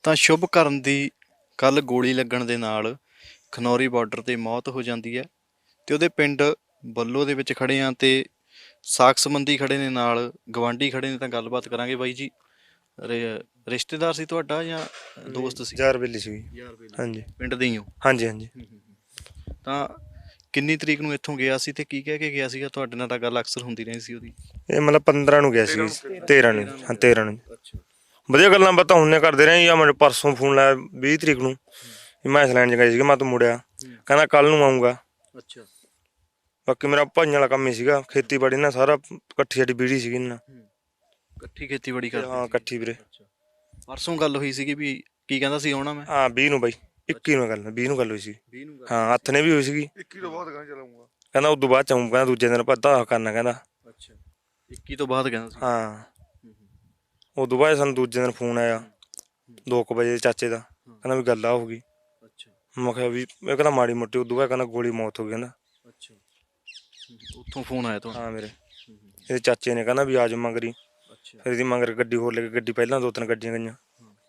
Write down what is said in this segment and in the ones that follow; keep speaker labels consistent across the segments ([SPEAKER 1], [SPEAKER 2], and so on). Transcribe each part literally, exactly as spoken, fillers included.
[SPEAKER 1] ਤਾਂ ਸ਼ੁਭਕਰਨ ਦੀ ਕੱਲ੍ਹ ਗੋਲੀ ਲੱਗਣ ਦੇ ਨਾਲ ਖਨੌਰੀ ਬਾਰਡਰ 'ਤੇ ਮੌਤ ਹੋ ਜਾਂਦੀ ਹੈ ਅਤੇ ਉਹਦੇ ਪਿੰਡ ਬੱਲੋ ਦੇ ਵਿੱਚ ਖੜ੍ਹੇ ਹਾਂ ਅਤੇ ਸਾਕ ਸੰਬੰਧੀ ਖੜ੍ਹੇ ਨੇ, ਨਾਲ ਗਵਾਂਢੀ ਖੜ੍ਹੇ ਨੇ। ਤਾਂ ਗੱਲਬਾਤ ਕਰਾਂਗੇ। ਬਾਈ ਜੀ, ਰੇ ਰਿਸ਼ਤੇਦਾਰ ਸੀ ਤੁਹਾਡਾ ਜਾਂ ਦੋਸਤ ਸੀ?
[SPEAKER 2] ਯਾਰ ਬੇਲੀ ਸੀਗੀ।
[SPEAKER 1] ਯਾਰ ਬੇਲੀ।
[SPEAKER 2] ਹਾਂਜੀ
[SPEAKER 1] ਪਿੰਡ ਦੇ ਹੀ ਹੋ?
[SPEAKER 2] ਹਾਂਜੀ ਹਾਂਜੀ।
[SPEAKER 1] ਤਾਂ ਕਿੰਨੀ ਤਰੀਕ ਨੂੰ ਇੱਥੋਂ ਗਿਆ ਸੀ ਅਤੇ ਕੀ ਕਹਿ ਕੇ ਗਿਆ ਸੀਗਾ? ਤੁਹਾਡੇ ਨਾਲ ਤਾਂ ਗੱਲ ਅਕਸਰ ਹੁੰਦੀ ਰਹੀ ਸੀ ਉਹਦੀ।
[SPEAKER 2] ਇਹ ਮਤਲਬ ਪੰਦਰਾਂ ਨੂੰ ਗਿਆ ਸੀ, ਤੇਰਾਂ ਨੂੰ। ਹਾਂ ਤੇਰਾਂ ਨੂੰ।
[SPEAKER 1] ਅੱਛਾ।
[SPEAKER 2] ਵਧੀਆ ਗੱਲਾਂ ਬਾਤਾਂ ਹੁੰਨੇ ਕਰਦੇ ਰਹੇ। ਜਾਂ ਮੈਨੂੰ ਪਰਸੋਂ ਫੋਨ ਲਾਇਆ ਵੀਹ ਤਰੀਕ ਨੂੰ, ਮੈਂ ਲੈਣ 'ਚ ਗਏ ਸੀਗਾ। ਮੈਂ ਤਾਂ ਮੁੜਿਆ, ਕਹਿੰਦਾ ਕੱਲ੍ਹ ਨੂੰ ਆਊਂਗਾ।
[SPEAKER 1] ਅੱਛਾ।
[SPEAKER 2] ਬਾਕੀ ਮੇਰਾ ਭਾਈਆਂ ਵਾਲਾ ਕੰਮ ਹੀ ਸੀਗਾ, ਖੇਤੀਬਾੜੀ ਨਾਲ ਸਾਰਾ ਇਕੱਠੀ ਸਾਡੀ ਬੀੜੀ ਸੀਗੀ ਇਹਨਾਂ ਨਾਲ।
[SPEAKER 1] ਇਕੱਠੀ ਖੇਤੀਬਾੜੀ ਕਰਦੇ?
[SPEAKER 2] ਹਾਂ ਇਕੱਠੀ ਵੀਰੇ।
[SPEAKER 1] ਪਰਸੋਂ ਗੱਲ ਹੋਈ ਸੀਗੀ ਵੀ ਕੀ ਕਹਿੰਦਾ ਸੀ ਆਉਣਾ ਮੈਂ?
[SPEAKER 2] ਹਾਂ ਵੀਹ ਨੂੰ ਬਾਈ, ਇੱਕੀ ਨੂੰ ਗੱਲ, ਵੀਹ ਨੂੰ ਗੱਲ ਹੋਈ ਸੀ। ਹਾਂ ਹੱਥ ਨੇ ਵੀ ਹੋਈ ਸੀਗੀ।
[SPEAKER 3] ਇੱਕੀ ਤੋਂ ਬਾਅਦ ਕਹਿੰਦਾ ਚਲਾਉਂਗਾ,
[SPEAKER 2] ਕਹਿੰਦਾ ਉਦੋਂ ਬਾਅਦ ਚਾਊਂ, ਕਹਿੰਦਾ ਦੂਜੇ ਦਿਨ ਭੱਦਾ ਕਰਨਾ ਕਹਿੰਦਾ।
[SPEAKER 1] ਅੱਛਾ, ਇੱਕੀ ਤੋਂ ਬਾਅਦ ਕਹਿੰਦਾ ਸੀ?
[SPEAKER 2] ਹਾਂ ਉਦੋਂ ਬਾਅਦ ਸਾਨੂੰ ਦੂਜੇ ਦਿਨ ਫੋਨ ਆਇਆ ਦੋ ਕੁ ਵਜੇ ਚਾਚੇ ਦਾ, ਕਹਿੰਦਾ ਵੀ ਗੱਲ ਆ ਹੋ ਗਈ।
[SPEAKER 1] ਅੱਛਾ।
[SPEAKER 2] ਮੈਂ ਕਿਹਾ ਵੀ ਇਹ ਕਹਿੰਦਾ ਮਾੜੀ ਮੋਟੀ। ਉਦੋਂ ਬਾਅਦ ਕਹਿੰਦਾ ਗੋਲੀ ਮੌਤ ਹੋ ਗਈ ਕਹਿੰਦਾ।
[SPEAKER 1] ਅੱਛਾ, ਉੱਥੋਂ ਫੋਨ ਆਇਆ ਤੁਹਾਨੂੰ?
[SPEAKER 2] ਹਾਂ ਮੇਰੇ ਇਹਦੇ ਚਾਚੇ ਨੇ ਕਹਿੰਦਾ ਵੀ ਆ ਜਾਓ ਮਗਰੀ।
[SPEAKER 1] ਅੱਛਾ।
[SPEAKER 2] ਫਿਰ ਇਹਦੀ ਮਗਰ ਗੱਡੀ ਹੋਰ ਲੈ ਕੇ, ਗੱਡੀ ਪਹਿਲਾਂ ਦੋ ਤਿੰਨ ਗੱਡੀਆਂ ਗਈਆਂ।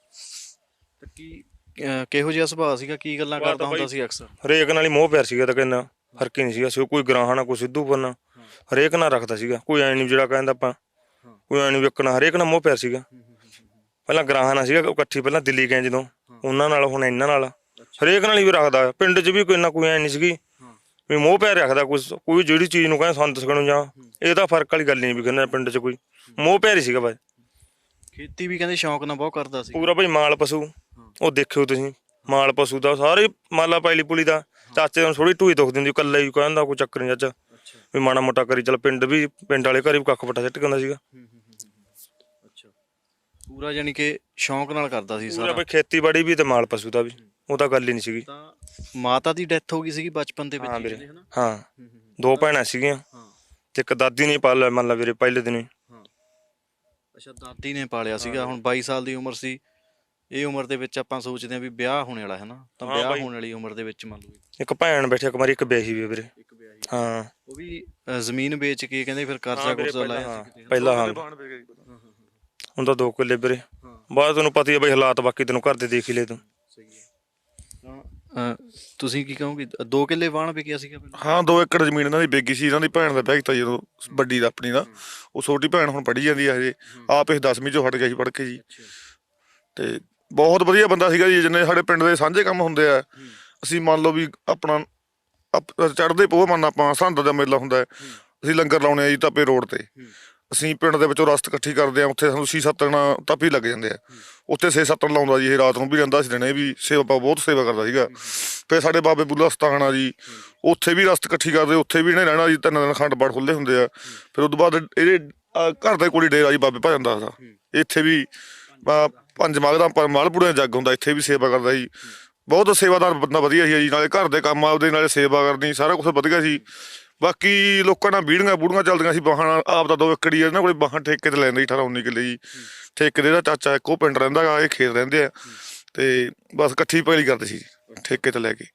[SPEAKER 1] ਤਾਂ ਕੀ ਕਿਹੋ ਜਿਹਾ ਸੁਭਾਅ ਸੀਗਾ? ਕੀ ਗੱਲਾਂ ਕਰਦਾ ਹੁੰਦਾ ਸੀ ਅਕਸਰ?
[SPEAKER 2] ਹਰੇਕ ਨਾਲ ਹੀ ਮੋਹ ਪਿਆਰ ਸੀਗਾ। ਤਾਂ ਕਿੰਨਾ ਫਰਕ ਹੀ ਨਹੀਂ ਸੀਗਾ। ਕੋਈ ਗਰਾਹਾਂ ਨਾ, ਕੋਈ ਸਿੱਧੂਪੁਰ ਨਾਲ, ਹਰੇਕ ਨਾਲ ਰੱਖਦਾ ਸੀਗਾ। ਕੋਈ ਐਂ ਨਹੀਂ ਜਿਹੜਾ ਕਹਿੰਦਾ ਆਪਾਂ, ਕੋਈ ਐਂ ਨਹੀਂ ਵਿਕਣਾ। ਹਰੇਕ ਨਾਲ ਮੋਹ ਪਿਆਰ ਸੀਗਾ। ਪਹਿਲਾਂ ਗਰਾਹਾਂ ਨਾਲ ਸੀਗਾ ਇਕੱਠੀ, ਪਹਿਲਾਂ ਦਿੱਲੀ ਗਏ ਜਦੋਂ, ਉਹਨਾਂ ਨਾਲ, ਹੁਣ ਇਹਨਾਂ ਨਾਲ ਹਰੇਕ ਨਾਲ ਹੀ ਵੀ ਰੱਖਦਾ। ਪਿੰਡ 'ਚ ਵੀ ਕੋਈ ਨਾ ਕੋਈ ਐਂ ਨਹੀਂ ਸੀਗੀ ਵੀ ਮੋਹ ਪਿਆਰ ਰੱਖਦਾ। ਕੋਈ ਕੋਈ ਜਿਹੜੀ ਚੀਜ਼ ਨੂੰ ਕਹਿੰਦਾ ਸੰਤ ਸਕਣੋਂ ਜਾਂ, ਇਹ ਤਾਂ ਫਰਕ ਵਾਲੀ ਗੱਲ ਨਹੀਂ ਵੀ ਕਹਿੰਦਾ ਪਿੰਡ 'ਚ ਕੋਈ ਮੋਹ ਪਿਆਰ ਹੀ ਸੀਗਾ ਬਸ।
[SPEAKER 1] ਖੇਤੀ ਵੀ ਕਹਿੰਦੇ ਸ਼ੌਂਕ ਨਾਲ ਬਹੁਤ ਕਰਦਾ ਸੀ
[SPEAKER 2] ਪੂਰਾ ਭਾਈ। ਮਾਲ ਪਸ਼ੂ ਉਹ ਦੇਖਿਓ ਤੁਸੀਂ, ਮਾਲ ਪਸ਼ੂ ਦਾ ਸਾਰੇ ਮਾਲਾ ਪੈਲੀ ਪੁਲੀ ਦਾ। ਚਾਚੇ ਨੂੰ ਥੋੜੀ ਢੂਈ ਦੁੱਖ ਦਿੰਦੀ, ਇਕੱਲਾ ਹੀ ਕਹਿੰਦਾ ਕੋਈ ਚੱਕਰ ਨਹੀਂ ਚਾਚਾ, ਵੀ ਮਾੜਾ ਮੋਟਾ ਕਰੀ ਚੱਲ। ਪਿੰਡ ਵੀ, ਪਿੰਡ ਵਾਲੇ ਘਰ ਵੀ ਕੱਖ ਪੱਟਾ ਸਿੱਟ ਕੇ ਆਉਂਦਾ ਸੀਗਾ।
[SPEAKER 1] ਅੱਛਾ, ਪੂਰਾ ਯਾਨੀ ਕਿ ਸ਼ੌਂਕ ਨਾਲ ਕਰਦਾ ਸੀ
[SPEAKER 2] ਪੂਰਾ
[SPEAKER 1] ਸਾਰਾ?
[SPEAKER 2] ਭਾਈ ਖੇਤੀਬਾੜੀ ਵੀ ਤੇ ਮਾਲ ਪਸ਼ੂ ਦਾ ਵੀ, ਉਹ ਤਾਂ ਗੱਲ ਹੀ ਨਹੀਂ ਸੀਗੀ।
[SPEAKER 1] ਤਾਂ ਮਾਤਾ ਦੀ ਡੈਥ ਹੋ ਗਈ ਸੀਗੀ ਬਚਪਨ ਦੇ ਵਿੱਚ?
[SPEAKER 2] ਹਾਂ ਵੀਰੇ, ਹਾਂ ਦੋ ਭੈਣਾਂ ਸੀਗੀਆਂ ਤੇ ਇੱਕ ਦਾਦੀ ਨੇ ਪਾਲਿਆ ਮੰਨ ਲਾ ਵੀਰੇ ਪਹਿਲੇ ਦਿਨ ਹੀ।
[SPEAKER 1] ਅੱਛਾ, ਦਾਦੀ ਨੇ ਪਾਲਿਆ ਸੀਗਾ। ਹੁਣ ਬਾਈ ਸਾਲ ਦੀ ਉਮਰ ਸੀ। ਇਹ ਉਮਰ ਦੇ ਵਿੱਚ ਆਪਾਂ ਸੋਚਦੇ ਹਾਂ ਵੀ ਵਿਆਹ ਹੋਣੇ ਵਾਲਾ ਹੈ ਨਾ, ਤਾਂ ਵਿਆਹ ਹੋਣ ਵਾਲੀ ਉਮਰ ਦੇ ਵਿੱਚ ਮੰਨ ਲਓ
[SPEAKER 2] ਇੱਕ ਭੈਣ ਬੈਠੀ, ਇੱਕ ਮਾਰੀ, ਇੱਕ ਵਿਆਹੀ ਵੀ ਵੀਰੇ।
[SPEAKER 1] ਇੱਕ ਵਿਆਹੀ,
[SPEAKER 2] ਹਾਂ
[SPEAKER 1] ਉਹ ਵੀ ਜ਼ਮੀਨ ਵੇਚ ਕੇ ਕਹਿੰਦੇ ਫਿਰ ਕਰਜ਼ਾ ਕੁਰਜ਼ਾ ਲਾਇਆ ਸੀ
[SPEAKER 2] ਪਹਿਲਾਂ। ਹਾਂ ਹੁਣ ਤਾਂ ਦੋ ਕਿੱਲੇ ਵੀਰੇ। ਬਾਅਦ ਤੈਨੂੰ ਪਤਾ ਹੀ ਹੈ ਬਈ ਹਾਲਾਤ, ਬਾਕੀ ਤੈਨੂੰ ਘਰ ਦੇ ਦੇਖ ਹੀ ਲੈ ਤੂੰ।
[SPEAKER 1] ਸਹੀ ਹੈ। ਤਾਂ ਤੁਸੀਂ ਕੀ ਕਹੋਗੇ? ਦੋ ਕਿੱਲੇ ਵਾਹਣ ਵਿਕਿਆ ਸੀਗਾ ਪਹਿਲਾਂ?
[SPEAKER 3] ਹਾਂ ਦੋ ਏਕੜ ਜ਼ਮੀਨ ਇਹਨਾਂ ਦੀ ਵਿਕੀ ਸੀ। ਇਹਨਾਂ ਦੀ ਭੈਣ ਦਾ ਵਿਆਹ ਕੀਤਾ ਜਦੋਂ, ਵੱਡੀ ਦਾ ਆਪਣੀ ਦਾ। ਉਹ ਛੋਟੀ ਭੈਣ ਹੁਣ ਪੜ੍ਹੀ ਜਾਂਦੀ ਹੈ ਹਜੇ, ਆਪ ਇਹ ਦਸਵੀਂ 'ਚੋਂ ਹਟ ਗਿਆ ਸੀ ਪੜ੍ਹ ਕੇ ਜੀ। ਤੇ ਬਹੁਤ ਵਧੀਆ ਬੰਦਾ ਸੀਗਾ ਜੀ। ਜਿੰਨੇ ਸਾਡੇ ਪਿੰਡ ਦੇ ਸਾਂਝੇ ਕੰਮ ਹੁੰਦੇ ਆ, ਅਸੀਂ ਮੰਨ ਲਓ ਵੀ ਆਪਣਾ ਚੜ੍ਹਦੇ ਪੋਹ ਮੰਨ ਆਪਾਂ ਸਰਹੰਦ ਦਾ ਮੇਲਾ ਹੁੰਦਾ, ਅਸੀਂ ਲੰਗਰ ਲਾਉਣੇ ਆ ਜੀ ਤਾਪੇ ਰੋਡ ਤੇ। ਅਸੀਂ ਪਿੰਡ ਦੇ ਵਿੱਚੋਂ ਰਸਤ ਇਕੱਠੀ ਕਰਦੇ ਹਾਂ, ਉੱਥੇ ਸਾਨੂੰ ਛੇ ਸੱਤ ਦਿਨ ਤਾਪੀ ਲੱਗ ਜਾਂਦੇ ਆ। ਉੱਥੇ ਛੇ ਸੱਤ ਦਿਨ ਲਾਉਂਦਾ ਜੀ ਇਹ, ਰਾਤ ਨੂੰ ਵੀ ਰਹਿੰਦਾ ਸੀ, ਦਿਨੇ ਵੀ। ਸੇਵਾ ਬਹੁਤ ਸੇਵਾ ਕਰਦਾ ਸੀਗਾ। ਫਿਰ ਸਾਡੇ ਬਾਬੇ ਬੁੱਲਾ ਸਥਾਨ ਆ ਜੀ, ਉੱਥੇ ਵੀ ਰਸਤ ਇਕੱਠੀ ਕਰਦੇ, ਉੱਥੇ ਵੀ ਇਹਨੇ ਰਹਿਣਾ ਜੀ। ਤਿੰਨ ਦਿਨ ਅਖੰਡ ਪਾਠ ਖੁੱਲ੍ਹੇ ਹੁੰਦੇ ਆ। ਫਿਰ ਉਹ ਤੋਂ ਬਾਅਦ ਇਹਦੇ ਘਰ ਦੇ ਕੋਲ ਹੀ ਡੇਰਾ ਜੀ ਬਾਬੇ ਭਜਨ ਦਾਸ ਦਾ। ਇੱਥੇ ਵੀ ਪੰਜ ਮਾਘ ਦਾ ਮਾਲਪੂੜੇ ਦਾ ਜੱਗ ਹੁੰਦਾ, ਇੱਥੇ ਵੀ ਸੇਵਾ ਕਰਦਾ ਜੀ। ਬਹੁਤ ਸੇਵਾਦਾਰ ਬੰਦਾ, ਵਧੀਆ ਸੀ ਜੀ। ਨਾਲੇ ਘਰ ਦੇ ਕੰਮ ਆਪਦੇ, ਨਾਲੇ ਸੇਵਾ ਕਰਨੀ, ਸਾਰਾ ਕੁਛ ਵਧੀਆ ਸੀ। ਬਾਕੀ ਲੋਕਾਂ ਨਾਲ ਬੀੜੀਆਂ ਬੂੜੀਆਂ ਚੱਲਦੀਆਂ ਸੀ। ਬਾਹਾਂ ਆਪ ਦਾ ਦੋ ਏਕੜ ਹੀ ਇਹਨਾਂ ਕੋਲ, ਬਾਹਾਂ ਠੇਕੇ ਤੇ ਲੈਂਦੇ ਸੀ ਅਠਾਰਾਂ ਉੱਨੀ ਕਿੱਲੇ ਜੀ। ਠੇਕੇ ਦੇ ਦਾ ਚਾਚਾ ਇੱਕੋ ਪਿੰਡ ਰਹਿੰਦਾ ਗਾ, ਇਹ ਖੇਤ ਰਹਿੰਦੇ ਆ ਤੇ ਬਸ ਇਕੱਠੀ ਪੈਲੀ ਕਰਦੇ ਸੀ ਠੇਕੇ ਤੇ ਲੈ ਕੇ।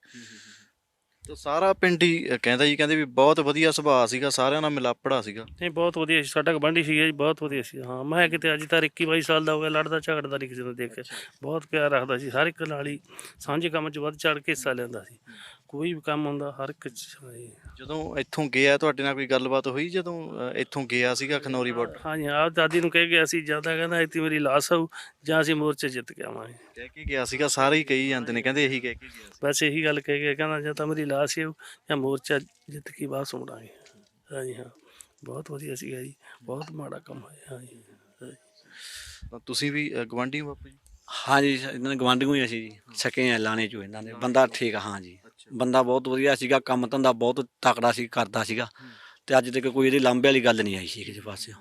[SPEAKER 1] ਤਾਂ ਸਾਰਾ ਪਿੰਡ ਹੀ ਕਹਿੰਦਾ ਜੀ, ਕਹਿੰਦੇ ਵੀ ਬਹੁਤ ਵਧੀਆ ਸੁਭਾਅ ਸੀਗਾ, ਸਾਰਿਆਂ ਨਾਲ ਮਿਲਾਪੜਾ ਸੀਗਾ।
[SPEAKER 4] ਨਹੀਂ ਬਹੁਤ ਵਧੀਆ ਸੀ, ਸਾਡਾ ਗਵਾਂਢੀ ਸੀਗਾ ਜੀ, ਬਹੁਤ ਵਧੀਆ ਸੀ। ਹਾਂ ਮੈਂ ਕਿਤੇ ਅੱਜ ਤੱਕ ਇੱਕੀ ਬਾਈ ਸਾਲ ਦਾ ਹੋ ਗਿਆ, ਲੜਦਾ ਝਗੜਦਾ ਨਹੀਂ ਕਿਸੇ ਨੂੰ ਦੇਖ ਕੇ। ਬਹੁਤ ਪਿਆਰ ਰੱਖਦਾ ਸੀ, ਹਰ ਇੱਕ ਨਾਲ ਹੀ ਸਾਂਝੇ ਕੰਮ 'ਚ ਵੱਧ ਚੜ੍ਹ ਕੇ ਹਿੱਸਾ ਲੈਂਦਾ ਸੀ। ਕੋਈ ਵੀ ਕੰਮ ਹੁੰਦਾ ਹਰ ਇੱਕ 'ਚ।
[SPEAKER 1] ਜਦੋਂ ਇੱਥੋਂ ਗਿਆ ਤੁਹਾਡੇ ਨਾਲ ਕੋਈ ਗੱਲਬਾਤ ਹੋਈ ਜਦੋਂ ਇੱਥੋਂ ਗਿਆ ਸੀਗਾ ਖਨੌਰੀ ਬਾਰਡਰ?
[SPEAKER 4] ਹਾਂਜੀ, ਆਪ ਦਾਦੀ ਨੂੰ ਕਹਿ ਗਿਆ ਸੀ, ਜਿਆਦਾ ਕਹਿੰਦਾ ਇੱਥੇ ਮੇਰੀ ਲਾਸ਼ ਆਊ ਜਾਂ ਅਸੀਂ ਮੋਰਚੇ ਜਿੱਤ ਕੇ ਆਵਾਂਗੇ।
[SPEAKER 1] ਕਹਿ ਕੇ ਗਿਆ ਸੀਗਾ? ਸਾਰੇ ਹੀ ਕਹੀ ਜਾਂਦੇ ਨੇ, ਕਹਿੰਦੇ ਇਹੀ ਕਹਿ ਕੇ ਗਿਆ ਸੀ।
[SPEAKER 4] ਬਸ ਇਹੀ ਗੱਲ ਕਹਿ ਗਿਆ, ਕਹਿੰਦਾ ਜਾਂ ਤਾਂ ਮੇਰੀ ਲਾਸ਼ ਆਊ ਜਾਂ ਮੋਰਚਾ ਜਿੱਤ ਕੇ ਬਾਹਰ ਮੁੜਾਂਗੇ। ਹਾਂਜੀ ਹਾਂ, ਬਹੁਤ ਵਧੀਆ ਸੀਗਾ ਜੀ, ਬਹੁਤ ਮਾੜਾ ਕੰਮ ਹੋਇਆ। ਹਾਂਜੀ,
[SPEAKER 1] ਤਾਂ ਤੁਸੀਂ ਵੀ ਗਵਾਂਢੀ ਹੋ ਬਾਪੂ ਜੀ?
[SPEAKER 5] ਹਾਂਜੀ, ਇਹਨਾਂ ਦੇ ਗਵਾਂਢੀਓ ਹੀ ਅਸੀਂ ਜੀ, ਸਕੇ ਆ ਲਾਣੇ 'ਚੋਂ ਇਹਨਾਂ ਦੇ। ਬੰਦਾ ਠੀਕ ਆ। ਹਾਂ ਜੀ, ਬੰਦਾ ਬਹੁਤ ਵਧੀਆ ਸੀਗਾ, ਕੰਮ ਧੰਦਾ ਬਹੁਤ ਤਕੜਾ ਸੀ, ਕਰਦਾ ਸੀਗਾ। ਅਤੇ ਅੱਜ ਤੱਕ ਕੋਈ ਇਹਦੀ ਲਾਂਭੇ ਵਾਲੀ ਗੱਲ ਨਹੀਂ ਆਈ ਸੀ ਕਿਸੇ ਪਾਸਿਓਂ।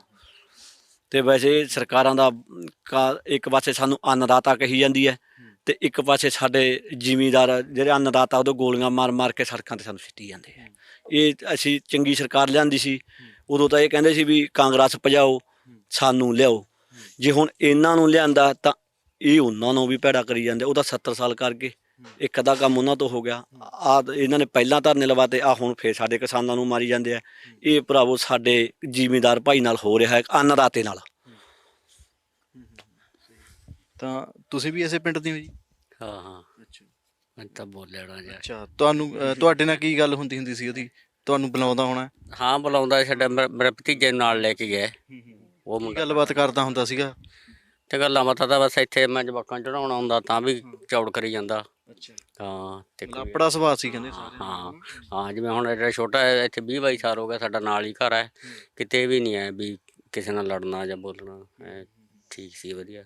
[SPEAKER 5] ਅਤੇ ਵੈਸੇ ਸਰਕਾਰਾਂ ਦਾ ਕਾ ਇੱਕ ਪਾਸੇ ਸਾਨੂੰ ਅੰਨਦਾਤਾ ਕਹੀ ਜਾਂਦੀ ਹੈ, ਅਤੇ ਇੱਕ ਪਾਸੇ ਸਾਡੇ ਜ਼ਿਮੀਂਦਾਰ ਜਿਹੜੇ ਅੰਨਦਾਤਾ ਉਦੋਂ ਗੋਲੀਆਂ ਮਾਰ ਮਾਰ ਕੇ ਸੜਕਾਂ 'ਤੇ ਸਾਨੂੰ ਸਿੱਟੀ ਜਾਂਦੇ ਹੈ। ਇਹ ਅਸੀਂ ਚੰਗੀ ਸਰਕਾਰ ਲਿਆਂਦੀ ਸੀ ਉਦੋਂ ਤਾਂ ਇਹ ਕਹਿੰਦੇ ਸੀ ਵੀ ਕਾਂਗਰਸ ਭਜਾਓ, ਸਾਨੂੰ ਲਿਆਓ। ਜੇ ਹੁਣ ਇਹਨਾਂ ਨੂੰ ਲਿਆਂਦਾ ਤਾਂ ਇਹ ਉਹਨਾਂ ਨੂੰ ਵੀ ਭੈੜਾ ਕਰੀ ਜਾਂਦੇ। ਉਹ ਤਾਂ ਸੱਤਰ ਸਾਲ ਕਰ ਗਏ, ਇੱਕ ਅੱਧਾ ਕੰਮ ਉਹਨਾਂ ਤੋਂ ਹੋ ਗਿਆ। ਆਹ ਇਹਨਾਂ ਨੇ ਪਹਿਲਾਂ ਧਰਨੇ ਲਵਾਤੇ, ਆਹ ਹੁਣ ਫਿਰ ਸਾਡੇ ਕਿਸਾਨਾਂ ਨੂੰ ਮਾਰੀ ਜਾਂਦੇ ਆ। ਇਹ ਭਰਾਵੋ ਸਾਡੇ ਜ਼ਿਮੀਂਦਾਰ ਭਾਈ ਨਾਲ ਹੋ ਰਿਹਾ ਹੈ, ਅੰਨਦਾਤੇ ਨਾਲ।
[SPEAKER 1] ਤਾਂ ਤੁਸੀਂ ਵੀ ਇਸੇ ਪਿੰਡ ਦੇ ਹੋ ਜੀ?
[SPEAKER 6] ਹਾਂ ਹਾਂ
[SPEAKER 1] ਅੱਛਾ
[SPEAKER 6] ਮੈਂ ਤਾਂ ਬੋਲਿਆ ਨਾ ਜਾ
[SPEAKER 1] ਅੱਛਾ ਤੁਹਾਨੂੰ ਅ, ਤੁਹਾਡੇ ਨਾਲ ਕੀ ਗੱਲ ਹੁੰਦੀ ਹੁੰਦੀ ਸੀ ਉਹਦੀ? ਤੁਹਾਨੂੰ ਬੁਲਾਉਂਦਾ ਹੋਣਾ।
[SPEAKER 6] ਹਾਂ ਬੁਲਾਉਂਦਾ ਸਾਡਾ ਮੇਰਾ ਮੇਰਾ ਭਤੀਜੇ ਨੂੰ ਨਾਲ ਲੈ ਕੇ ਗਿਆ ਉਹ
[SPEAKER 1] ਕੀ
[SPEAKER 6] ਮੁੰਡਾ
[SPEAKER 1] ਗੱਲਬਾਤ ਕਰਦਾ ਹੁੰਦਾ ਸੀਗਾ?
[SPEAKER 6] ਤੇ ਗੱਲਾਂ ਬਾਤਾਂ ਤਾਂ ਬਸ ਇੱਥੇ ਮੈਂ ਜਵਾਕਾਂ ਨੂੰ ਚੜਾਉਣਾ ਹੁੰਦਾ ਤਾਂ ਵੀ ਚੌੜ ਕਰੀ ਜਾਂਦਾ।
[SPEAKER 1] ਅੱਛਾ
[SPEAKER 6] ਹਾਂ ਤੇ ਕੋਈ-
[SPEAKER 1] ਲਾਪੜਾ ਸੁਭਾਅ ਸੀ ਕਹਿੰਦੇ
[SPEAKER 6] ਹਾਂ
[SPEAKER 1] ਸਾਰੇ।
[SPEAKER 6] ਹਾਂ ਹਾਂ ਜਿਵੇਂ ਹੁਣ ਜਿਹੜਾ ਛੋਟਾ ਹੈ ਇੱਥੇ ਵੀਹ ਬਾਈ ਸਾਲ ਹੋ ਗਿਆ ਸਾਡਾ ਨਾਲ ਹੀ ਘਰ ਹੈ ਕਿਤੇ ਵੀ ਨਹੀਂ ਹੈ ਵੀ ਕਿਸੇ ਨਾਲ ਲੜਨਾ ਜਾਂ ਬੋਲਣਾ ਐਂ ਠੀਕ ਸੀ ਵਧੀਆ।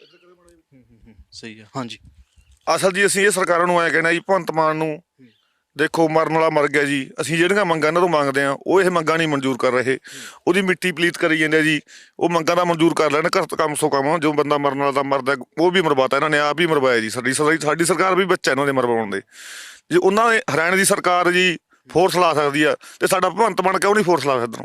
[SPEAKER 1] ਸਹੀ ਆ ਹਾਂਜੀ।
[SPEAKER 3] ਅਸਲ ਜੀ ਅਸੀਂ ਇਹ ਸਰਕਾਰਾਂ ਨੂੰ ਐਂ ਕਹਿਣਾ ਜੀ, ਭਗਵੰਤ ਮਾਨ ਨੂੰ ਦੇਖੋ ਮਰਨ ਵਾਲਾ ਮਰ ਗਿਆ ਜੀ। ਅਸੀਂ ਜਿਹੜੀਆਂ ਮੰਗਾਂ ਇਹਨਾਂ ਤੋਂ ਮੰਗਦੇ ਆ ਉਹ ਇਹ ਮੰਗਾਂ ਨਹੀਂ ਮਨਜ਼ੂਰ ਕਰ ਰਹੇ। ਉਹਦੀ ਮਿੱਟੀ ਪਲੀਤ ਕਰੀ ਜਾਂਦੇ ਆ ਜੀ। ਉਹ ਮੰਗਾਂ ਦਾ ਮਨਜ਼ੂਰ ਕਰ ਲੈਣ ਘੱਟ ਕਮ ਸੋ ਕਮ। ਜੋ ਬੰਦਾ ਮਰਨ ਵਾਲਾ ਤਾਂ ਮਰਦਾ ਉਹ ਵੀ ਮਰਵਾਤਾ ਇਹਨਾਂ ਨੇ, ਆਪ ਹੀ ਮਰਵਾਇਆ ਜੀ। ਸਾਡੀ ਸਾਡੀ ਸਰਕਾਰ ਵੀ ਬੱਚਾ ਇਹਨਾਂ ਦੇ ਮਰਵਾਉਣ ਦੇ। ਜੇ ਉਹਨਾਂ ਨੇ ਹਰਿਆਣੇ ਦੀ ਸਰਕਾਰ ਜੀ ਫੋਰਸ ਲਾ ਸਕਦੀ ਆ ਤੇ ਸਾਡਾ ਭਗਵੰਤ ਮਾਨ ਕਿਉਂ ਨਹੀਂ ਫੋਰਸ ਲਾ ਸਕਦਾ?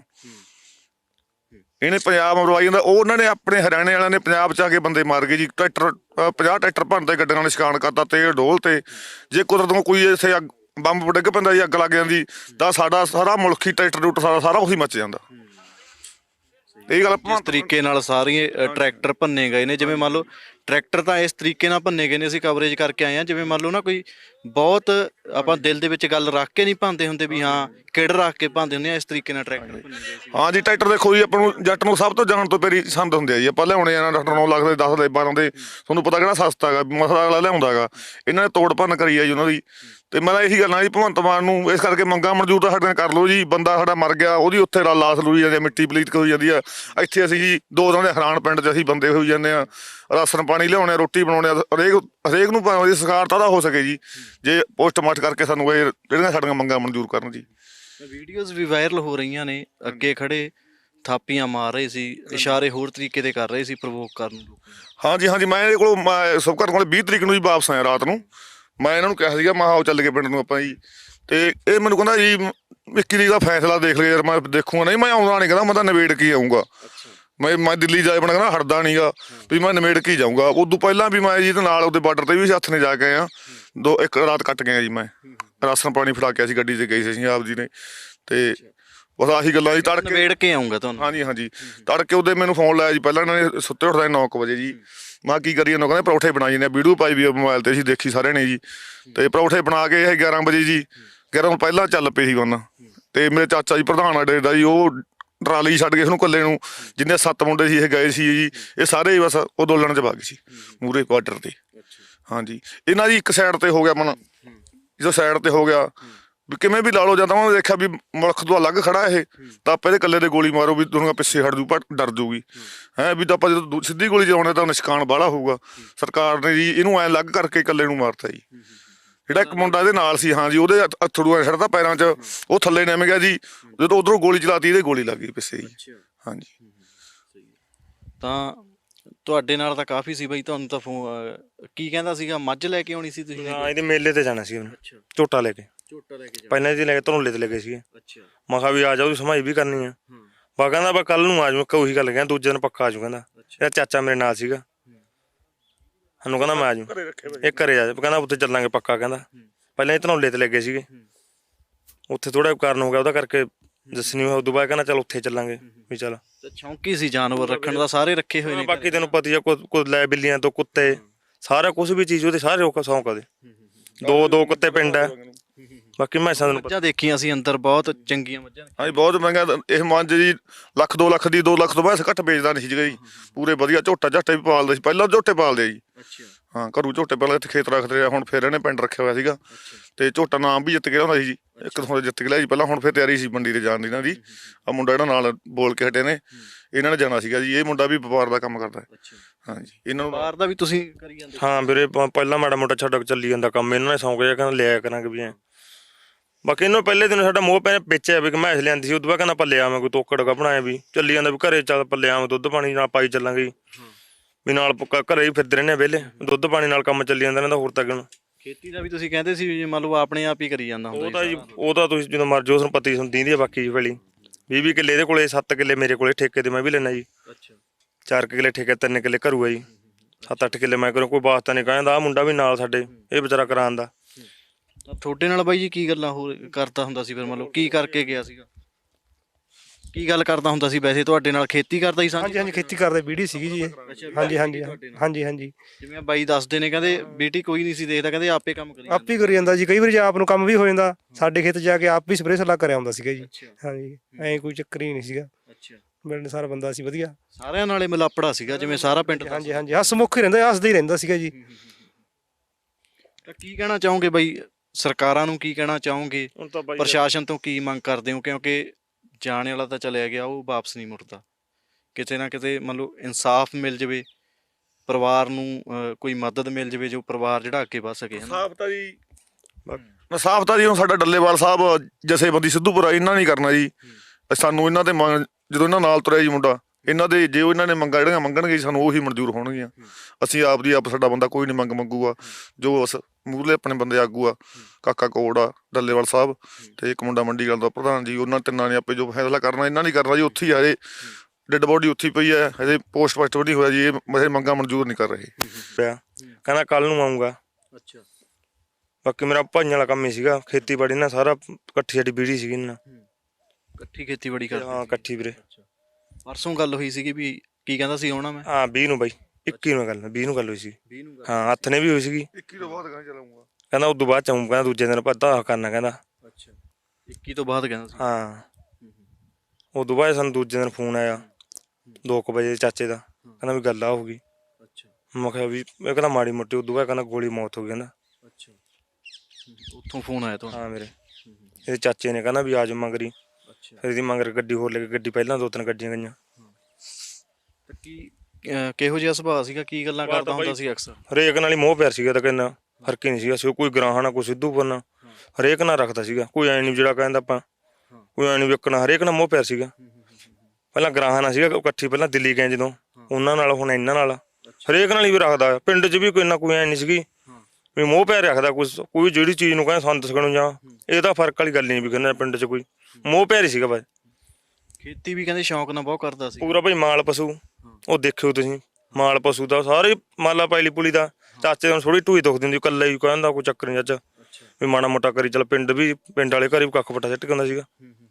[SPEAKER 3] ਇਹਨੇ ਪੰਜਾਬ ਮਰਵਾਈ ਜਾਂਦਾ। ਉਹ ਉਹਨਾਂ ਨੇ ਆਪਣੇ ਹਰਿਆਣੇ ਵਾਲਿਆਂ ਨੇ ਪੰਜਾਬ 'ਚ ਆ ਕੇ ਬੰਦੇ ਮਾਰ ਗਏ ਜੀ। ਟਰੈਕਟਰ ਪੰਜਾਹ ਟਰੈਕਟਰ ਭੰਨਤੇ, ਗੱਡੀਆਂ ਨਾਲ ਨਿਸ਼ਕਾਨ ਕਰਤਾ, ਤੇਲ ਡੋਲ ਤੇ। ਜੇ ਕੁਦਰਤ ਕੋਈ ਇੱਥੇ ਅੱਗ ਬੰਬ ਡਿੱਗ ਪੈਂਦਾ ਜੀ, ਅੱਗ ਲੱਗ ਜਾਂਦੀ ਤਾਂ ਸਾਡਾ ਸਾਰਾ ਮੁਲਕ ਹੀ ਟਰੈਕਟਰ ਟਰੂਟਰ ਸਾਰਾ ਸਾਰਾ ਕੁਛ ਹੀ ਮੱਚ ਜਾਂਦਾ। ਇਹ ਗੱਲ
[SPEAKER 1] ਜਿਸ ਤਰੀਕੇ ਨਾਲ ਸਾਰੇ ਅ, ਟਰੈਕਟਰ ਭੰਨੇ ਗਏ ਨੇ, ਜਿਵੇਂ ਮੰਨ ਲਓ ਟਰੈਕਟਰ ਤਾਂ ਇਸ ਤਰੀਕੇ ਨਾਲ ਭੰਨੇ ਗਏ ਨੇ, ਅਸੀਂ ਕਵਰੇਜ ਕਰਕੇ ਆਏ ਆ ਜਿਵੇਂ ਮੰਨ ਲਓ ਨਾ ਕੋਈ ਬਹੁਤ ਆਪਾਂ ਦਿਲ ਦੇ ਵਿੱਚ ਗੱਲ ਰੱਖ ਕੇ ਨਹੀਂ ਭੰਨਦੇ ਹੁੰਦੇ ਵੀ ਹਾਂ ਕਿੜ ਰੱਖ ਕੇ ਭੰਨਦੇ ਹੁੰਦੇ ਆ, ਇਸ ਤਰੀਕੇ ਨਾਲ ਟਰੈਕਟਰ ਭੰਨੇ ਗਏ ਸੀ।
[SPEAKER 3] ਹਾਂ ਜੀ ਟਰੈਕਟਰ ਦੇਖੋ ਜੀ, ਆਪਾਂ ਨੂੰ ਜੱਟ ਨੂੰ ਸਭ ਤੋਂ ਜਾਣ ਤੋਂ ਪਹਿਲੀ ਸੰਦ ਹੁੰਦੇ ਆ ਜੀ। ਆਪਾਂ ਲਿਆਉਣੇ ਆ ਡਾਕਟਰ ਨੌ ਲੱਖ ਦੇ ਦਸ ਦੇ ਬਾਰਾਂ ਦੇ, ਤੁਹਾਨੂੰ ਪਤਾ ਕਿਹੜਾ ਸਸਤਾ ਹੈਗਾ, ਮਸਲਾ ਅਗਲਾ ਲਿਆਉਂਦਾ ਹੈਗਾ। ਇਹਨਾਂ ਨੇ ਤੋੜ ਭੰਨ ਕਰੀ ਆ ਜੀ ਉਹਨਾਂ ਦੀ। ਤੇ ਮੈਂ ਤਾਂ ਇਹੀ ਗੱਲ ਆ ਜੀ ਭਗਵੰਤ ਮਾਨ ਨੂੰ, ਇਸ ਕਰਕੇ ਮੰਗਾਂ ਮਨਜ਼ੂਰ ਤਾਂ ਸਾਡੇ ਨਾਲ ਕਰ ਲਓ ਜੀ। ਬੰਦਾ ਸਾਡਾ ਮਰ ਗਿਆ ਉਹਦੀ ਉੱਥੇ ਲਾਸ ਲੂਈ ਜਾਂਦੀ ਆ, ਮਿੱਟੀ ਪਲੀਤ ਹੋਈ ਜਾਂਦੀ ਆ। ਇੱਥੇ ਅਸੀਂ ਜੀ ਦੋ ਦਿਨ ਦੇ ਹੈਰਾਨ ਪਿੰਡ 'ਚ ਅਸੀਂ ਬੰਦੇ ਹੋਈ ਜਾਂਦੇ ਆ। ਰਾਸ਼ਨ ਪਾਣੀ ਲਿਆਉਣੇ, ਰੋਟੀ ਬਣਾਉਣੇ, ਹਰੇਕ ਹਰੇਕ ਨੂੰ ਭਾਵੇਂ ਦੀ ਸਰਕਾਰ ਤਾਂ ਹੋ ਸਕੇ ਜੀ ਜੇ ਪੋਸਟਮਾਰਟ ਕਰਕੇ ਸਾਨੂੰ ਇਹ ਜਿਹੜੀਆਂ ਸਾਡੀਆਂ ਮੰਗਾਂ ਮਨਜ਼ੂਰ ਕਰਨ ਜੀ।
[SPEAKER 1] ਵੀਡੀਓਜ਼ ਵੀ ਵਾਇਰਲ ਹੋ ਰਹੀਆਂ ਨੇ, ਅੱਗੇ ਖੜੇ ਥਾਪੀਆਂ ਮਾਰ ਰਹੇ ਸੀ, ਇਸ਼ਾਰੇ ਹੋਰ ਤਰੀਕੇ ਦੇ ਕਰ ਰਹੇ ਸੀ ਪ੍ਰਵੋਕ ਕਰਨ ਨੂੰ।
[SPEAKER 3] ਹਾਂਜੀ ਹਾਂਜੀ ਮੈਂ ਇਹਦੇ ਕੋਲ ਮੈਂ ਸਭ ਘਰ ਕੋਲ ਵੀਹ ਤਰੀਕ ਨੂੰ ਜੀ ਵਾਪਸ ਆਇਆ ਰਾਤ ਨੂੰ। ਮੈਂ ਇਹਨਾਂ ਨੂੰ ਕਿਹਾ ਸੀਗਾ ਮੈਂ ਆਓ ਚੱਲ ਕੇ ਪਿੰਡ ਨੂੰ ਆਪਾਂ ਜੀ। ਤੇ ਇਹ ਮੈਨੂੰ ਕਹਿੰਦਾ ਜੀ ਇੱਕੀ ਤਰੀਕ ਦਾ ਫੈਸਲਾ ਦੇਖ ਲਿਆ ਯਾਰ। ਮੈਂ ਦੇਖੂਗਾ ਨਹੀਂ, ਮੈਂ ਆਉਣਾ ਨਹੀਂ, ਕਹਿੰਦਾ ਮੈਂ ਤਾਂ ਨਿਬੇੜ ਕੇ ਆਊਂਗਾ। ਮੈਂ ਮੈਂ ਦਿੱਲੀ ਜਾਏ ਬਣਾ ਕਹਿੰਦਾ ਹਟਦਾ ਨਹੀਂ ਗਾ ਵੀ ਮੈਂ ਨਿਬੇੜ ਕੇ ਜਾਊਂਗਾ। ਉਦੋਂ ਪਹਿਲਾਂ ਵੀ ਮੈਂ ਜੀ ਇਹਦੇ ਨਾਲ ਉਹਦੇ ਬਾਰਡਰ ਤੇ ਵੀ ਹੱਥ ਨੇ ਜਾ ਕੇ ਆਇਆ। ਦੋ ਇੱਕ ਰਾਤ ਕੱਟ ਗਏ ਜੀ। ਮੈਂ ਰਾਸ਼ਨ ਪਾਣੀ ਫੜਾ ਕੇ ਅਸੀਂ ਗੱਡੀ 'ਚ ਗਏ ਸੀ ਅਸੀਂ ਆਪ ਜੀ ਨੇ। ਤੇ ਬਸ ਆਹੀ ਗੱਲਾਂ ਜੀ। ਤੜਕੇ
[SPEAKER 1] ਨਿਬੇੜ ਕੇ ਆਊਂਗਾ ਤੁਹਾਨੂੰ।
[SPEAKER 3] ਹਾਂਜੀ ਹਾਂਜੀ ਤੜਕੇ ਉਹਦੇ ਮੈਨੂੰ ਫੋਨ ਲਾਇਆ ਜੀ। ਪਹਿਲਾਂ ਇਹਨਾਂ ਨੇ ਸੁੱਤੇ ਉੱਠਦੇ ਨੌ ਕੁ ਵਜੇ ਜੀ। ਮੈਂ ਕੀ ਕਰੀਏ, ਉਹਨਾਂ ਕਹਿੰਦੇ ਪਰੌਠੇ ਬਣਾਈ ਜਾਂਦੇ ਆ। ਵੀਡੀਓ ਪਾਈ ਵੀ ਮੋਬਾਈਲ ਤੇ ਅਸੀਂ ਦੇਖੀ ਸਾਰਿਆਂ ਨੇ ਜੀ। ਤੇ ਪਰੌਠੇ ਬਣਾ ਕੇ ਇਹ ਗਿਆਰਾਂ ਵਜੇ ਜੀ, ਗਿਆਰਾਂ ਤੋਂ ਪਹਿਲਾਂ ਚੱਲ ਪਏ ਸੀ ਬੰਨ। ਤੇ ਮੇਰੇ ਚਾਚਾ ਜੀ ਪ੍ਰਧਾਨ ਅੱਡੇ ਦਾ ਜੀ, ਉਹ ਟਰਾਲੀ ਛੱਡ ਕੇ ਉਹਨੂੰ ਇਕੱਲੇ ਨੂੰ, ਜਿੰਨੇ ਸੱਤ ਮੁੰਡੇ ਸੀ ਇਹ ਗਏ ਸੀ ਜੀ। ਇਹ ਸਾਰੇ ਬਸ ਉਹ ਦੋਲਣ 'ਚ ਵਗ ਗਏ ਸੀ ਮੂਹਰੇ ਬਾਰਡਰ ਤੇ। ਹਾਂਜੀ ਇਹਨਾਂ ਦੀ ਇੱਕ ਸਾਈਡ ਤੇ ਹੋ ਗਿਆ ਮਨ, ਜਦੋਂ ਸਾਈਡ ਤੇ ਹੋ ਗਿਆ ਵੀ ਕਿਵੇਂ ਵੀ ਲਾ ਲਓ। ਜਾਂ ਤਾਂ ਉਹਨਾਂ ਨੇ ਦੇਖਿਆ ਵੀ ਮੁਲਕ ਤੋਂ ਅਲੱਗ ਖੜਾ ਇਹ, ਤਾਂ ਆਪਾਂ ਇਹਦੇ ਇਕੱਲੇ ਦੇ ਗੋਲੀ ਮਾਰੋ ਵੀ ਦੁਨੀਆ ਪਿੱਛੇ ਹਟ ਜੂ, ਡਰ ਜੂਗੀ ਹੈਂ। ਵੀ ਤਾਂ ਆਪਾਂ ਜਦੋਂ ਸਿੱਧੀ ਗੋਲੀ ਚਲਾਉਣੇ ਤਾਂ ਨਿਸ਼ਕਾਨ ਬਾਹਲਾ ਹੋਊਗਾ। ਸਰਕਾਰ ਨੇ ਜੀ ਇਹਨੂੰ ਐਂ ਅਲੱਗ ਕਰਕੇ ਇਕੱਲੇ ਨੂੰ ਮਾਰਤਾ ਜੀ। ਜਿਹੜਾ ਇੱਕ ਮੁੰਡਾ ਇਹਦੇ ਨਾਲ ਸੀ, ਹਾਂ ਜੀ, ਉਹਦੇ ਅਥੜੂ ਛੱਡਦਾ ਪੈਰਾਂ 'ਚ, ਉਹ ਥੱਲੇ ਨਿੰਮ ਗਿਆ ਜੀ। ਜਦੋਂ ਉਧਰੋਂ ਗੋਲੀ ਚਲਾਤੀ ਇਹਦੇ ਗੋਲੀ ਲੱਗ ਗਈ ਪਿੱਛੇ ਜੀ। ਹਾਂਜੀ
[SPEAKER 1] ਤਾਂ ਤੁਹਾਡੇ ਨਾਲ ਤਾਂ ਕਾਫੀ ਸੀ ਬਈ। ਤੁਹਾਨੂੰ ਤਾਂ ਫੋਨ ਕੀ ਕਹਿੰਦਾ ਸੀਗਾ, ਮੱਝ ਲੈ ਕੇ ਆਉਣੀ ਸੀ ਤੁਸੀਂ?
[SPEAKER 2] ਹਾਂ ਇਹਦੇ ਮੇਲੇ ਤੇ ਜਾਣਾ ਸੀ ਉਹਨੇ, ਝੋਟਾ ਲੈ ਕੇ।
[SPEAKER 1] ਝੋਟਾ ਲੈ ਕੇ
[SPEAKER 2] ਪਹਿਲਾਂ ਇਹਦੀ ਲੈ ਕੇ ਧਰੋਲੇ ਤੇ ਲੱਗੇ ਸੀਗੇ।
[SPEAKER 1] ਅੱਛਾ
[SPEAKER 2] ਮੈਂ ਕਿਹਾ ਵੀ ਆ ਜਾਓ, ਸਮਾਈ ਵੀ ਕਰਨੀ ਆ। ਬਾ ਕਹਿੰਦਾ ਬਾ ਕੱਲ ਨੂੰ ਆ ਜਾਊ। ਇੱਕ ਉਹੀ ਗੱਲ ਕਹਿੰਦਾ ਦੂਜੇ ਦਿਨ ਪੱਕਾ ਆ ਜਾਊ। ਕਹਿੰਦਾ ਇਹਦਾ ਚਾਚਾ ਮੇਰੇ ਨਾਲ ਸੀਗਾ, ਸਾਨੂੰ ਕਹਿੰਦਾ ਮੈਂ ਆ ਜਾਊ, ਇਹ ਘਰੇ ਆ ਜਾ। ਕਹਿੰਦਾ ਉੱਥੇ ਚੱਲਾਂਗੇ ਪੱਕਾ। ਕਹਿੰਦਾ ਪਹਿਲਾਂ ਇਹ ਧਰੋਲੇ ਤੇ ਲੱਗੇ ਸੀਗੇ, ਉੱਥੇ ਥੋੜਾ ਕਾਰਨ ਹੋ ਗਿਆ ਉਹਦਾ ਕਰਕੇ ਦੱਸਣੀ ਹੋਇਆ। ਉਦੋਂ ਬਾਅਦ ਕਹਿੰਦਾ ਚੱਲ ਉੱਥੇ ਚੱਲਾਂਗੇ ਵੀ ਚੱਲ।
[SPEAKER 1] ਸ਼ੌਂਕੀ ਸੀ ਜਾਨਵਰ ਰੱਖਣ ਦਾ, ਸਾਰੇ ਰੱਖੇ ਹੋਏ ਨੇ।
[SPEAKER 2] ਬਾਕੀ ਤੈਨੂੰ ਪਤਾ ਹੀ ਆ, ਕੁਝ ਲੈ ਬਿੱਲੀਆਂ ਤੋਂ ਕੁੱਤੇ, ਸਾਰਾ ਕੁਝ ਵੀ ਚੀਜ਼ ਉਹਦੇ ਸਾਰੇ ਰੋਕ ਸੌਂਕ ਉਹਦੇ। ਦੋ ਦੋ ਕੁੱਤੇ ਪਿੰਡ ਆ, ਬਾਕੀ ਮੈਸਾਂ ਨੂੰ
[SPEAKER 1] ਮੱਝਾਂ ਦੇਖੀਆਂ ਸੀ ਅੰਦਰ, ਬਹੁਤ ਚੰਗੀਆਂ ਮੱਝਾਂ।
[SPEAKER 3] ਹਾਂਜੀ ਬਹੁਤ ਮਹਿੰਗਾ ਇਹ ਮੱਝ ਜੀ। ਲੱਖ ਦੋ ਲੱਖ ਦੀ, ਦੋ ਲੱਖ ਤੋਂ ਬਾਅਦ ਘੱਟ ਵੇਚਦਾ ਨਹੀਂ ਸੀਗਾ ਜੀ। ਪੂਰੇ ਵਧੀਆ ਝੋਟਾ ਝਾਟੇ ਵੀ ਪਾਲਦੇ ਸੀ ਪਹਿਲਾਂ। ਝੋਟੇ ਪਾਲਦੇ ਆ ਜੀ।
[SPEAKER 1] ਅੱਛਾ
[SPEAKER 3] ਹਾਂ ਘਰੂ ਝੋਟੇ ਪਹਿਲਾਂ ਇੱਥੇ ਖੇਤ ਰੱਖਦੇ ਆ। ਹੁਣ ਫਿਰ ਇਹਨੇ ਪਿੰਡ ਰੱਖਿਆ ਹੋਇਆ ਸੀਗਾ। ਤੇ ਝੋਟਾ ਨਾਮ ਵੀ ਜਿੱਤ ਕੇ ਹੁੰਦਾ ਸੀ ਜੀ। ਇੱਕ ਥੋੜਾ ਜਿੱਤ ਕੇ ਲਿਆ ਜੀ ਪਹਿਲਾਂ। ਹੁਣ ਫਿਰ ਤਿਆਰੀ ਸੀ ਮੰਡੀ ਤੇ ਜਾਣ ਦੀ ਇਹਨਾਂ ਦੀ। ਆ ਮੁੰਡਾ ਜਿਹੜਾ ਨਾਲ ਬੋਲ ਕੇ ਹਟੇ ਨੇ, ਇਹਨਾਂ ਨੇ ਜਾਣਾ ਸੀਗਾ ਜੀ। ਇਹ ਮੁੰਡਾ ਵੀ ਵਪਾਰ ਦਾ ਕੰਮ ਕਰਦਾ। ਹਾਂਜੀ ਇਹਨਾਂ ਨੂੰ
[SPEAKER 1] ਬਾਹਰ ਦਾ ਵੀ ਤੁਸੀਂ ਕਰੀ ਜਾਂਦੇ?
[SPEAKER 2] ਹਾਂ ਵੀਰੇ ਪਹਿਲਾਂ ਮਾੜਾ ਮੋਟਾ ਛੱਡ ਚੱਲੀ ਜਾਂਦਾ ਕੰਮ। ਇਹਨਾਂ ਨੇ ਸੌਂਕ ਜਿਹਾ ਕਹਿੰਦਾ ਲਿਆ ਕਰਾਂਗੇ ਵੀ ਐ। ਬਾਕੀ ਇਹਨੂੰ ਪਹਿਲੇ ਦਿਨ ਸਾਡਾ ਮੋਹ ਪੈ ਵੇਚਿਆ ਵੀ ਮੈਂ ਇਸ ਲਿਆਂਦੀ ਸੀ। ਉਦੋਂ ਬਾਅਦ ਕਹਿੰਦਾ ਆਪਾਂ ਲਿਆ ਮੈਂ ਕੋਈ ਤੋਕੜ ਬਣਾਇਆ ਵੀ ਚੱਲੀ ਜਾਂਦਾ ਵੀ ਘਰੇ ਚੱਲ ਆਪਾਂ ਲਿਆ ਦੁੱਧ ਪਾਣੀ ਨਾਲ ਪਾਈ ਚੱਲਾਂਗੇ ਵੀ ਨਾਲ ਘਰੇ ਹੀ ਫਿਰਦੇ ਰਹਿੰਦੇ ਵਿਹਲੇ। ਦੁੱਧ ਪਾਣੀ ਨਾਲ ਕੰਮ ਚੱਲੀ ਜਾਂਦਾ ਰਹਿੰਦਾ, ਹੋਰ ਤਾਂ ਕਿਉਂ।
[SPEAKER 1] ਖੇਤੀ ਦਾ ਵੀ ਤੁਸੀਂ ਕਹਿੰਦੇ ਸੀ ਜੇ ਮੰਨ ਲਓ ਆਪਣੇ ਆਪ ਹੀ ਕਰੀ ਜਾਂਦਾ ਹੁੰਦਾ?
[SPEAKER 2] ਉਹ ਤਾਂ ਜੀ ਉਹ ਤਾਂ ਤੁਸੀਂ ਜਦੋਂ ਮਰਜ਼ੀ ਉਸਨੂੰ ਪਤੀ ਹੁੰਦੀ ਆ। ਬਾਕੀ ਵੇਲੀ ਵੀਹ ਵੀਹ ਕਿੱਲੇ ਇਹਦੇ ਕੋਲੇ, ਸੱਤ ਕਿੱਲੇ ਮੇਰੇ ਕੋਲੇ ਠੇਕੇ ਤੇ ਮੈਂ ਵੀ ਲੈਣਾ ਜੀ।
[SPEAKER 1] ਅੱਛਾ
[SPEAKER 2] ਚਾਰ ਕਿੱਲੇ ਠੇਕੇ, ਤਿੰਨ ਕਿੱਲੇ ਘਰੂ ਆ ਜੀ। ਸੱਤ ਅੱਠ ਕਿੱਲੇ ਮੈਂ ਕਰੂੰ। ਕੋਈ ਵਾਸਤਾ ਨਹੀਂ ਕਹਿੰਦਾ। ਆਹ ਮੁੰਡਾ ਵੀ ਨਾਲ ਸਾਡੇ, ਇਹ ਵਿਚਾਰਾ ਕਰਾਉਣ ਦਾ।
[SPEAKER 1] ਤੁਹਾਡੇ ਨਾਲ ਬਾਈ ਜੀ ਕੀ ਗੱਲਾਂ ਹੋਰ ਕਰਦਾ ਹੁੰਦਾ ਸੀ ਫਿਰ? ਮੰਨ ਲਓ ਕੀ ਕਰਕੇ ਗਿਆ ਸੀਗਾ? ਕੀ ਗੱਲ ਕਰਦਾ ਹੁੰਦਾ ਸੀ ਵੈਸੇ ਤੁਹਾਡੇ ਨਾਲ ਖੇਤੀ ਕਰਦਾ ਹੀ ਸਾਂਝੀ
[SPEAKER 7] ਹਾਂਜੀ ਹਾਂਜੀ ਖੇਤੀ ਕਰਦੇ ਬੀੜੀ ਸੀਗੀ ਜੀ ਇਹ। ਹਾਂਜੀ ਹਾਂਜੀ ਹਾਂਜੀ ਹਾਂਜੀ
[SPEAKER 1] ਜਿਵੇਂ ਬਾਈ ਦੱਸਦੇ ਨੇ ਕਹਿੰਦੇ ਬੇਟੀ ਕੋਈ ਨਹੀਂ ਸੀ ਦੇਖਦਾ ਕਹਿੰਦੇ ਆਪੇ ਕੰਮ ਕਰੀ
[SPEAKER 7] ਆਪ ਹੀ ਕਰੀ ਜਾਂਦਾ ਜੀ ਕਈ ਵਾਰੀ ਜੇ ਆਪ ਨੂੰ ਕੰਮ ਵੀ ਹੋ ਜਾਂਦਾ ਸਾਡੇ ਖੇਤ ਜਾ ਕੇ ਆਪ ਵੀ ਸਪਰੇਅ ਸਲਾ ਕਰਿਆ ਹੁੰਦਾ ਸੀਗਾ ਜੀ ਹਾਂਜੀ ਐਂ ਕੋਈ ਚੱਕਰ ਹੀ ਨਹੀਂ ਸੀਗਾ
[SPEAKER 1] ਅੱਛਾ
[SPEAKER 7] ਮਿਲਣ ਸਾਰਾ ਬੰਦਾ ਸੀ ਵਧੀਆ
[SPEAKER 1] ਸਾਰਿਆਂ ਨਾਲੇ ਮਿਲਾਪੜਾ ਸੀਗਾ ਜਿਵੇਂ ਸਾਰਾ ਪਿੰਡ
[SPEAKER 7] ਹਾਂਜੀ ਹਾਂਜੀ ਹੱਸਮੁਖ ਹੀ ਰਹਿੰਦਾ ਹੱਸਦਾ ਹੀ ਰਹਿੰਦਾ ਸੀਗਾ ਜੀ।
[SPEAKER 1] ਤਾਂ ਕੀ ਕਹਿਣਾ ਚਾਹੋਗੇ ਬਾਈ ਸਰਕਾਰਾਂ ਨੂੰ ਕੀ ਕਹਿਣਾ ਚਾਹੋਗੇ
[SPEAKER 2] ਹੁਣ ਤਾਂ ਬਾਈ
[SPEAKER 1] ਪ੍ਰਸ਼ਾਸਨ ਤੋਂ ਕੀ ਮੰਗ ਕਰਦੇ ਹੋ ਕਿਉਂਕਿ ਜਾਣੇ ਵਾਲਾ ਤਾਂ ਚਲਿਆ ਗਿਆ ਉਹ ਵਾਪਸ ਨਹੀਂ ਮੁੜਦਾ ਕਿਤੇ ਨਾ ਕਿਤੇ ਮੰਨ ਲਓ ਇਨਸਾਫ ਮਿਲ ਜਾਵੇ ਪਰਿਵਾਰ ਨੂੰ ਅਹ, ਕੋਈ ਮਦਦ ਮਿਲ ਜਾਵੇ ਜੋ ਪਰਿਵਾਰ ਜਿਹੜਾ ਅੱਗੇ ਵਧ ਸਕੇ ਹਨਾ
[SPEAKER 3] ਸਾਫ ਤਾਂ ਜੀ ਸਾਫ ਤਾਂ ਜੀ ਹੁਣ ਸਾਡਾ ਡੱਲੇਵਾਲ ਸਾਹਿਬ ਜਥੇਬੰਦੀ ਸਿੱਧੂਪੁਰਾ ਇਹਨਾਂ ਨੇ ਕਰਨਾ ਜੀ ਸਾਨੂੰ ਇਹਨਾਂ ਤੇ ਮੰਗ- ਜਦੋਂ ਇਹਨਾਂ ਨਾਲ ਤੁਰਿਆ ਜੀ ਮੁੰਡਾ ਇਹਨਾਂ ਦੇ ਜੇ ਇਹਨਾਂ ਨੇ ਮੰਗਾਂ ਜਿਹੜੀਆਂ ਮੰਗਣਗੇ ਜੀ ਸਾਨੂੰ ਉਹੀ ਮਨਜ਼ੂਰ ਹੋਣਗੀਆਂ। ਅਸੀਂ ਆਪ ਦੀ ਆਪ ਸਾਡਾ ਬੰਦਾ ਕੋਈ ਨਹੀਂ ਮੰਗ ਮੰਗੂਗਾ ਜੋ ਬਸ ਮੂਹਰਲੇ ਆਪਣੇ ਬੰਦੇ ਆਗੂ ਆ ਕਾਕਾ ਕੋੜ ਆ ਡੱਲੇਵਾਲ ਸਾਹਿਬ ਤੇ ਇੱਕ ਮੁੰਡਾ ਮੰਡੀ ਗੱਲ ਦਾ ਪ੍ਰਧਾਨ ਜੀ ਉਹਨਾਂ ਤਿੰਨਾਂ ਨੇ ਆਪੇ ਜੋ ਫੈਸਲਾ ਕਰਨਾ ਇਹਨਾਂ ਨਹੀਂ ਕਰਨਾ ਜੀ ਉੱਥੇ ਹੀ ਆ ਹਜੇ ਡੈਡ ਬੋਡੀ ਉੱਥੇ ਹੀ ਪਈ ਹੈ ਹਜੇ ਪੋਸਟ ਮਾਸਟਰ ਨਹੀਂ ਹੋਇਆ ਜੀ ਇਹ ਮੇਰੇ ਮੰਗਾਂ ਮਨਜ਼ੂਰ ਨਹੀਂ ਕਰ ਰਹੇ।
[SPEAKER 2] ਪਿਆ ਕਹਿੰਦਾ ਕੱਲ ਨੂੰ ਆਉਂਗਾ।
[SPEAKER 1] ਅੱਛਾ
[SPEAKER 2] ਬਾਕੀ ਮੇਰਾ ਭਾਈਆਂ ਵਾਲਾ ਕੰਮ ਹੀ ਸੀਗਾ ਖੇਤੀਬਾੜੀ ਨਾਲ ਸਾਰਾ ਇਕੱਠੀ ਸਾਡੀ ਬੀੜੀ ਸੀਗੀ ਇਹਨਾਂ ਨਾਲ।
[SPEAKER 1] ਇਕੱਠੀ ਖੇਤੀਬਾੜੀ ਕਰਦੇ
[SPEAKER 2] ਹਾਂ ਇਕੱਠੀ ਵੀਰੇ।
[SPEAKER 1] ਪਰਸੋਂ ਗੱਲ ਹੋਈ ਸੀਗੀ ਵੀ ਕੀ ਕਹਿੰਦਾ ਸੀ ਆਉਣਾ ਮੈਂ
[SPEAKER 2] ਹਾਂ ਵੀਹ ਨੂੰ ਬਾਈ ਇੱਕੀ ਨੂੰ ਗੱਲ ਵੀਹ ਨੂੰ ਗੱਲ ਹੋਈ ਸੀ।
[SPEAKER 1] ਵੀਹ ਨੂੰ
[SPEAKER 2] ਹਾਂ ਹੱਥ ਨੇ ਵੀ ਹੋਈ ਸੀਗੀ
[SPEAKER 3] ਇੱਕੀ ਤੋਂ ਬਾਅਦ ਕਹਿੰਦਾ ਚਲਾਉਂਗਾ
[SPEAKER 2] ਕਹਿੰਦਾ ਉਦੋਂ ਬਾਅਦ ਚਾਹੂੰ ਕਹਿੰਦਾ ਦੂਜੇ ਦਿਨ ਪਤਾ ਕਰਨਾ ਕਹਿੰਦਾ।
[SPEAKER 1] ਅੱਛਾ ਇੱਕੀ ਤੋਂ ਬਾਅਦ ਕਹਿੰਦਾ ਸੀ
[SPEAKER 2] ਹਾਂ ਉਦੋਂ ਬਾਅਦ ਸਾਨੂੰ ਦੂਜੇ ਦਿਨ ਫੋਨ ਆਇਆ ਦੋ ਕੁ ਵਜੇ ਚਾਚੇ ਦਾ ਕਹਿੰਦਾ ਵੀ ਗੱਲ ਆ ਹੋ ਗਈ।
[SPEAKER 1] ਅੱਛਾ
[SPEAKER 2] ਮੈਂ ਕਿਹਾ ਵੀ ਇਹ ਕਹਿੰਦਾ ਮਾੜੀ ਮੋਟੀ ਉਦੋਂ ਬਾਅਦ ਕਹਿੰਦਾ ਗੋਲੀ ਮੌਤ ਹੋ ਗਈ ਕਹਿੰਦਾ।
[SPEAKER 1] ਅੱਛਾ ਉੱਥੋਂ ਫੋਨ ਆਇਆ ਤੁਹਾਨੂੰ
[SPEAKER 2] ਹਾਂ ਮੇਰੇ ਇਹਦੇ ਚਾਚੇ ਨੇ ਕਹਿੰਦਾ ਵੀ ਆ ਜਾ ਮੰਗਰੀ
[SPEAKER 1] ਅੱਛਾ
[SPEAKER 2] ਫਿਰ ਇਹਦੀ ਮੰਗਰ ਗੱਡੀ ਹੋਰ ਲੈ ਕੇ ਗੱਡੀ ਪਹਿਲਾਂ ਦੋ ਤਿੰਨ ਗੱਡੀਆਂ ਗਈਆਂ।
[SPEAKER 1] ਤਾਂ ਕੀ ਅਹ ਕਿਹੋ ਜਿਹਾ ਸੁਭਾਅ ਸੀਗਾ ਕੀ ਗੱਲਾਂ
[SPEAKER 2] ਸੁਭਾਅ
[SPEAKER 1] ਕਰਦਾ
[SPEAKER 2] ਤਾਂ
[SPEAKER 1] ਹੁੰਦਾ
[SPEAKER 2] ਬਾਈ-
[SPEAKER 1] ਸੀ ਅਕਸਰ
[SPEAKER 2] ਹਰੇਕ ਨਾਲ ਹੀ ਮੋਹ ਪਿਆਰ ਸੀਗਾ ਤਾਂ ਕਹਿੰਦਾ ਫਰਕ ਹੀ ਨਹੀਂ ਸੀਗਾ ਸੋ ਕੋਈ ਗਰਾਹਾਂ ਨਾ ਕੋਈ ਸਿੱਧੂਪੁਰ ਨਾਲ ਹਰੇਕ ਨਾਲ ਰੱਖਦਾ ਸੀਗਾ ਕੋਈ ਐ ਨਹੀਂ ਜਿਹੜਾ ਕਹਿੰਦਾ ਆਪਾਂ ਕੋਈ ਐ ਨਹੀਂ ਵਿਕਣਾ ਹਰੇਕ ਨਾਲ ਮੋਹ ਪਿਆਰ ਸੀਗਾ। ਪਹਿਲਾਂ ਗਰਾਹਾਂ ਨਾਲ ਸੀਗਾ ਇਕੱਠੀ ਪਹਿਲਾਂ ਦਿੱਲੀ ਗਏ ਜਦੋਂ ਉਹਨਾਂ ਨਾਲ ਹੁਣ ਇਹਨਾਂ ਨਾਲ ਹਰੇਕ ਨਾਲ ਹੀ ਵੀ ਰੱਖਦਾ ਪਿੰਡ 'ਚ ਵੀ ਕੋਈ ਨਾ ਕੋਈ ਐ ਨਹੀਂ ਸੀਗੀ ਵੀ ਮੋਹ ਪਿਆਰ ਰੱਖਦਾ ਕੋਈ ਕੋਈ ਜਿਹੜੀ ਚੀਜ਼ ਨੂੰ ਕਹਿੰਦਾ ਸੰਤ ਸਕਣੋਂ ਜਾਂ ਇਹ ਤਾਂ ਫਰਕ ਵਾਲੀ ਗੱਲ ਨਹੀਂ ਵੀ ਕਹਿੰਦਾ ਪਿੰਡ 'ਚ ਕੋਈ ਮੋਹ ਪਿਆਰ ਹੀ ਸੀਗਾ ਬਸ।
[SPEAKER 1] ਖੇਤੀ ਵੀ ਕਹਿੰਦੇ ਸ਼ੌਂਕ ਨਾਲ ਬਹੁਤ ਕਰਦਾ ਸੀ
[SPEAKER 2] ਪੂਰਾ ਭਾਈ ਮਾਲ ਪਸ਼ੂ ਉਹ ਦੇਖਿਓ ਤੁਸੀਂ ਮਾਲ ਪਸ਼ੂ ਦਾ ਸਾਰੇ ਮਾਲਾ ਪਾਇਲੀ ਪੁਲੀ ਦਾ ਚਾਚੇ ਨੂੰ ਥੋੜੀ ਢੂਈ ਦੁਖਦੀ ਹੁੰਦੀ ਇਕੱਲਾ ਹੀ ਕਹਿੰਦਾ ਕੋਈ ਚੱਕਰ ਨਹੀਂ ਚਾਚਾ ਵੀ ਮਾੜਾ ਮੋਟਾ ਕਰੀ ਚੱਲ ਪਿੰਡ ਵੀ ਪਿੰਡ ਵਾਲੇ ਘਰ ਵੀ ਕੱਖ ਪੱਟਾ ਸਿੱਟ ਕੇ ਹੁੰਦਾ ਸੀਗਾ।